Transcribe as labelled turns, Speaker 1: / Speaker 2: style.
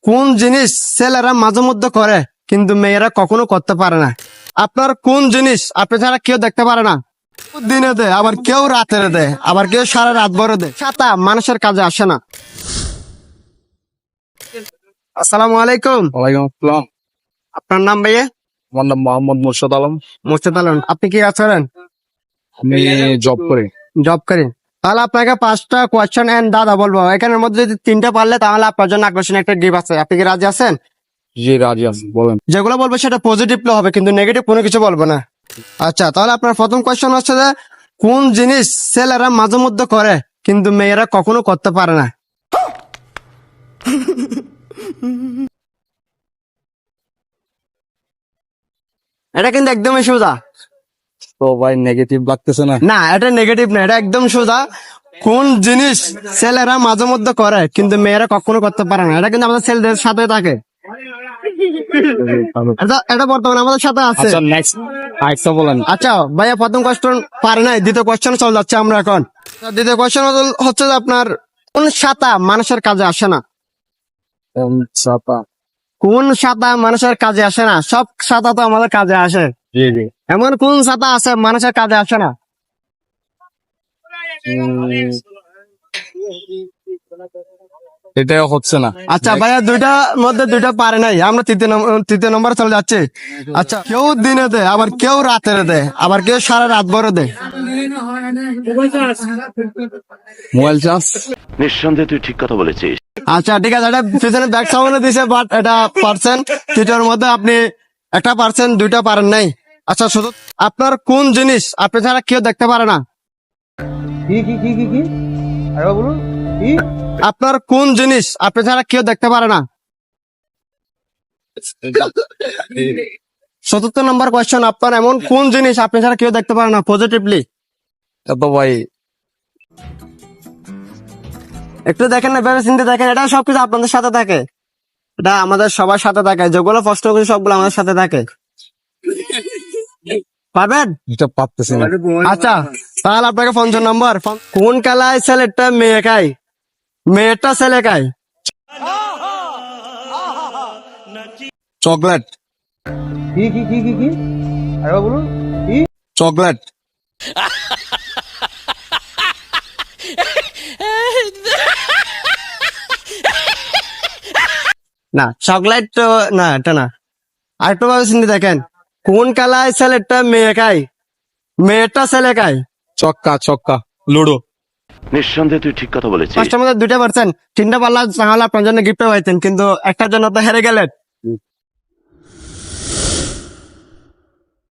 Speaker 1: কোন জিনিস ছেলেরা মাঝে মধ্যে করে কিন্তু মেয়েরা কখনো করতে পারে না? আপনার কোন জিনিস আপনি ছাড়া কেউ দেখতে পারে না? দিনে দেয়, আবার কেউ রাতের দেয়, আবার কেউ সারা রাত ভরে দেয়। ছাতা মানুষের কাজে আসে না। আসসালামু আলাইকুম।
Speaker 2: ওয়ালাইকুম আসসালাম।
Speaker 1: আপনার নাম ভাইয়া?
Speaker 2: আমার নাম মোহাম্মদ মুর্শদ আলম।
Speaker 1: মুর্শিদ আলম। আপনি কি কাজ করেন?
Speaker 2: আমি জব করি।
Speaker 1: জব করেন? তাহলে আপনাকে 5টা কোয়েশ্চেন এন্ড দাদা বলবো, এখানের মধ্যে যদি 3টা পারলে তাহলে আপনার জন্য আকর্ষণীয় একটা গিফট আছে। আপনি কি রাজি আছেন?
Speaker 2: জি রাজি আছি, বলেন।
Speaker 1: যেগুলো বলবো সেটা পজিটিভলি হবে, কিন্তু নেগেটিভ কোনো কিছু বলবো না। আচ্ছা, তাহলে আপনার প্রথম কোয়েশ্চেন হচ্ছে যে কোন জিনিস ছেলেরা মাঝে মধ্যে করে কিন্তু মেয়েরা কখনো করতে পারে না? এটা কিন্তু একদমই সোজা।
Speaker 2: তো ভাই নেগেটিভ লাগতেছে না?
Speaker 1: না, এটা নেগেটিভ না, এটা একদম সোজা। কোন জিনিস ছেলেরা মাঝে মধ্যে করে কিন্তু মেয়েরা কখনো করতে পারে না? এটা কিন্তু আমাদের ছেলেদের সাথে থাকে। এটা বর্তমানে আমাদের সাথে আছে।
Speaker 2: আচ্ছা নেক্সট আরেকটা বলেন।
Speaker 1: আচ্ছা ভাইয়া, প্রথম কোয়েশ্চেন পারে নাই, দ্বিতীয় কোয়েশ্চেন চলে যাচ্ছে আমরা এখন। দ্বিতীয় কোয়েশ্চেন হচ্ছে যে আপনার কোন ছাতা মানুষের কাজে আসে না?
Speaker 2: ছাতা।
Speaker 1: কোন ছাতা মানুষের কাজে আসে না? সব ছাতা তো আমাদের কাজে আসে।
Speaker 2: জি জি।
Speaker 1: এমন কোন ছাতা আছে মানুষের কাজে আসে না?
Speaker 2: এটা হচ্ছে না।
Speaker 1: আচ্ছা ভাইয়া, দুইটার মধ্যে দুইটা পারে নাই, আমরা তৃতীয় নম্বর চলে যাচ্ছি। আচ্ছা, কেউ দিনে দেয়, আবার কেউ রাতের দেয়, আবার কেউ সারা রাত ভরে দেয়।
Speaker 2: Mobile charge.
Speaker 3: নিঃসন্দেহে তুই ঠিক কথা বলেছিস।
Speaker 1: আচ্ছা ঠিক আছে, এটা পিছনে ব্যাক সাউন্ড দিছে, বাট এটা পারছেন। তৃতীয়র মধ্যে আপনি একটা পারছেন, দুইটা পারেন নাই। আচ্ছা, শুধু আপনার কোন জিনিস আপনি ছাড়া কেউ দেখতে পারে না? আপনার কোন জিনিস আপনি ছাড়া কেউ দেখতে পারে না? 74 নম্বর কোয়েশ্চেন, আপনার এমন কোন জিনিস আপনি ছাড়া কেউ দেখতে পারে না পজিটিভলি?
Speaker 2: এত ভাই
Speaker 1: একটু দেখেন না, ভেবে চিন্তে দেখেন। এটা সবকিছু আপনাদের সাথে থাকে, এটা আমাদের সবার সাথে থাকে। যেগুলো প্রশ্ন করছি সবগুলো আমাদের সাথে থাকে। পারবেন?
Speaker 2: এটা পারতেছি না।
Speaker 1: আচ্ছা, তাহলে আপনাকে 50 নম্বর। কোন খেলায় ছেলেটা মেয়ে খায়, মেয়েটা ছেলে খায়?
Speaker 2: চকলেট। চকলেট।
Speaker 1: না, চকলেট তো না, এটা না। আরেকটু ভাবে চিন্তে দেখেন, কোন খেলায় ছেলেটা মেয়ে খায়, মেয়েটা ছেলে খায়?
Speaker 2: চক্কা চক্কা লুডো।
Speaker 3: নিঃসন্দেহে তুই ঠিক কথা বলেছিস।
Speaker 1: 5টার মধ্যে 2টা পারছেন, 3টা পারলে তাহলে আপনার জন্য গিফট পাইতেন, কিন্তু একটার জন্য তো হেরে গেলেন।